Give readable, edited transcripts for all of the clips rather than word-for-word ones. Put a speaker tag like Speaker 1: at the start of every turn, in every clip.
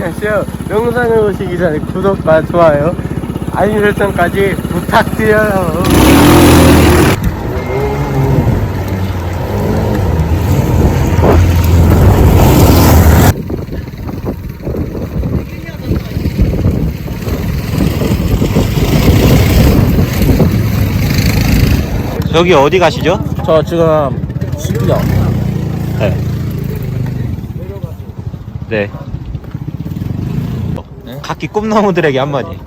Speaker 1: 안녕하세요. 영상을 보시기 전에 구독과 좋아요, 알림 설정까지 부탁드려요.
Speaker 2: 여기 어디 가시죠?
Speaker 1: 저 지금 집이요.
Speaker 2: 네. 네.
Speaker 3: 네?
Speaker 2: 각기 꿈나무들에게 한마디.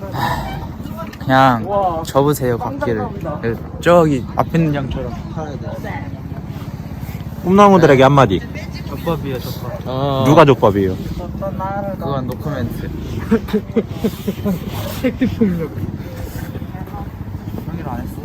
Speaker 3: 그냥 접으세요 바퀴를. 저기 앞에 있는 양처럼 팔아야 돼.
Speaker 2: 꿈나무들에게 한마디.
Speaker 3: 족밥이에요 족밥.
Speaker 2: 누가 족밥이에요?
Speaker 3: 그건 노코멘트.
Speaker 1: 팩트 폭력.
Speaker 3: 형이랑 안 했어.